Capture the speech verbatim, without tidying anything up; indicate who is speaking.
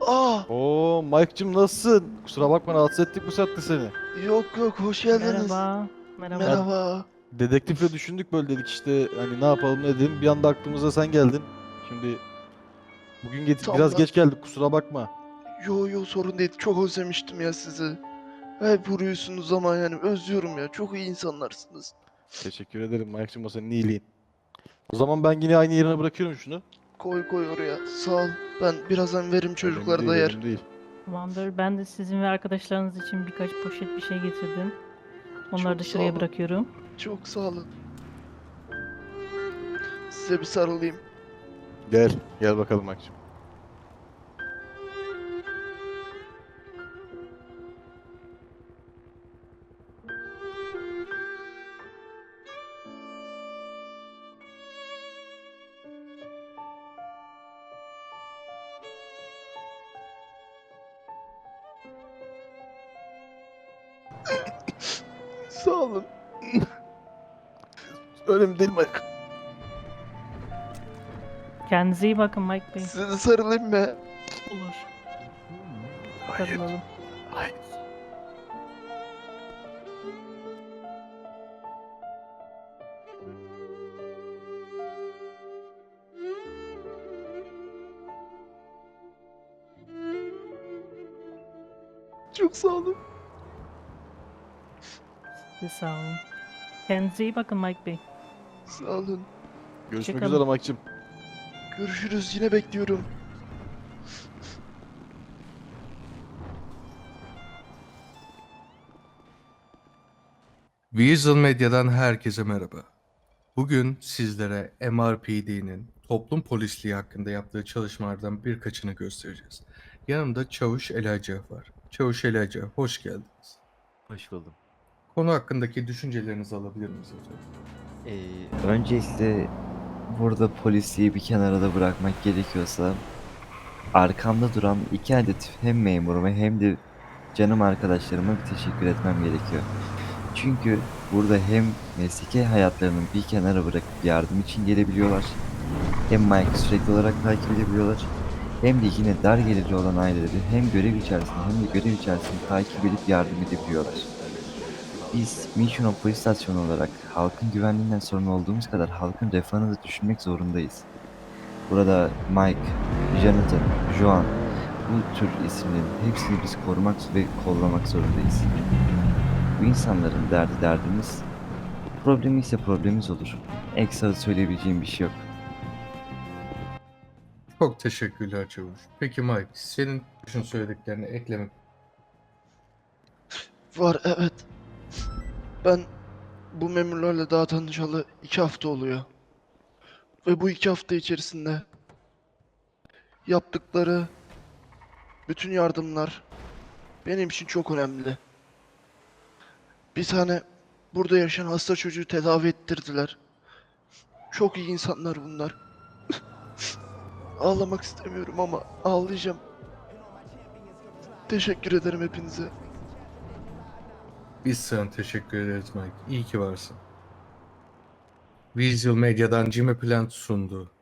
Speaker 1: Aa,
Speaker 2: Oo Mike'cım nasılsın? Kusura bakma rahatsız ettik bu saatte seni.
Speaker 1: yok yok, hoş geldiniz.
Speaker 3: Merhaba. Merhaba.
Speaker 2: Ya
Speaker 1: Merhaba.
Speaker 2: dedektifle düşündük böyle dedik işte hani ne yapalım ne edelim. Bir anda aklımıza sen geldin. Şimdi bugün get-
Speaker 1: Tam
Speaker 2: biraz
Speaker 1: da
Speaker 2: geç geldik kusura bakma.
Speaker 1: yo yo, sorun değil. Çok özlemiştim ya sizi. Hep vuruyorsunuz ama yani özlüyorum ya. Çok iyi insanlarsınız.
Speaker 2: Teşekkür ederim Mike'cım o senin iyiliğin. O zaman ben yine aynı yerine bırakıyorum şunu.
Speaker 1: Koy koy oraya. Sağ ol. Ben birazdan veririm,
Speaker 2: Önemli
Speaker 1: çocuklar
Speaker 2: değil
Speaker 1: da yer.
Speaker 2: önemli değil.
Speaker 3: Tamamdır. Ben de sizin ve arkadaşlarınız için birkaç poşet bir şey getirdim. Onları
Speaker 1: Çok
Speaker 3: da
Speaker 1: sağ
Speaker 3: şuraya
Speaker 1: olun.
Speaker 3: bırakıyorum.
Speaker 1: Çok sağ olun. Size bir sarılayım.
Speaker 2: Gel gel bakalım Mike'cım.
Speaker 1: Sağ olun.
Speaker 2: Önemli değil Mike.
Speaker 3: Kendinize iyi bakın Mike Bey.
Speaker 1: Size de sarılayım mı?
Speaker 3: Olur.
Speaker 2: Hayır.
Speaker 3: Sarılalım.
Speaker 2: Hayır.
Speaker 1: Çok sağ olun.
Speaker 3: Size sağ olun. Kendinize iyi bakın Mike Bey.
Speaker 1: Sağ olun.
Speaker 2: Görüşmek
Speaker 3: Hoşçakalın.
Speaker 2: üzere Mike'cım.
Speaker 1: Görüşürüz. Yine bekliyorum.
Speaker 4: Weasel Medya'dan herkese merhaba. Bugün sizlere M R P D'nin toplum polisliği hakkında yaptığı çalışmalardan birkaçını göstereceğiz. Yanımda Çavuş Elaca var. Çavuş Elaca, hoş geldiniz.
Speaker 5: Hoş buldum.
Speaker 4: Konu hakkındaki düşüncelerinizi alabilir miyiz efendim?
Speaker 5: Ee, öncelikle burada polisiyi bir kenara da bırakmak gerekiyorsa arkamda duran iki adet hem memuruma hem de canım arkadaşlarıma bir teşekkür etmem gerekiyor. Çünkü burada hem mesleki hayatlarını bir kenara bırakıp yardım için gelebiliyorlar, hem Mike'ı sürekli olarak takip edebiliyorlar, hem de yine dar gelirli olan aileleri hem görev içerisinde hem de görev içerisinde takip edip yardım edebiliyorlar. Biz Mission Polis Stasyonu olarak halkın güvenliğinden sorumlu olduğumuz kadar halkın refahını da düşünmek zorundayız. Burada Mike, Jonathan, Joan, bu tür isimlerin hepsini biz korumak ve kollamak zorundayız. Bu insanların derdi derdimiz, problemi ise problemimiz olur. Ekstra söyleyebileceğim bir şey yok.
Speaker 4: Çok teşekkürler Çavuş. Peki Mike, senin düşün söylediklerini eklemek.
Speaker 1: Var, evet. Ben bu memurlarla daha tanışalı iki hafta oluyor. Ve bu iki hafta içerisinde yaptıkları bütün yardımlar benim için çok önemli. Bir tane burada yaşayan hasta çocuğu tedavi ettirdiler. Çok iyi insanlar bunlar. Ağlamak istemiyorum ama ağlayacağım. Teşekkür ederim hepinize.
Speaker 4: Biz sana teşekkür ederiz Mike. İyi ki varsın. Weasel Medya'dan Jimmy Plant sundu.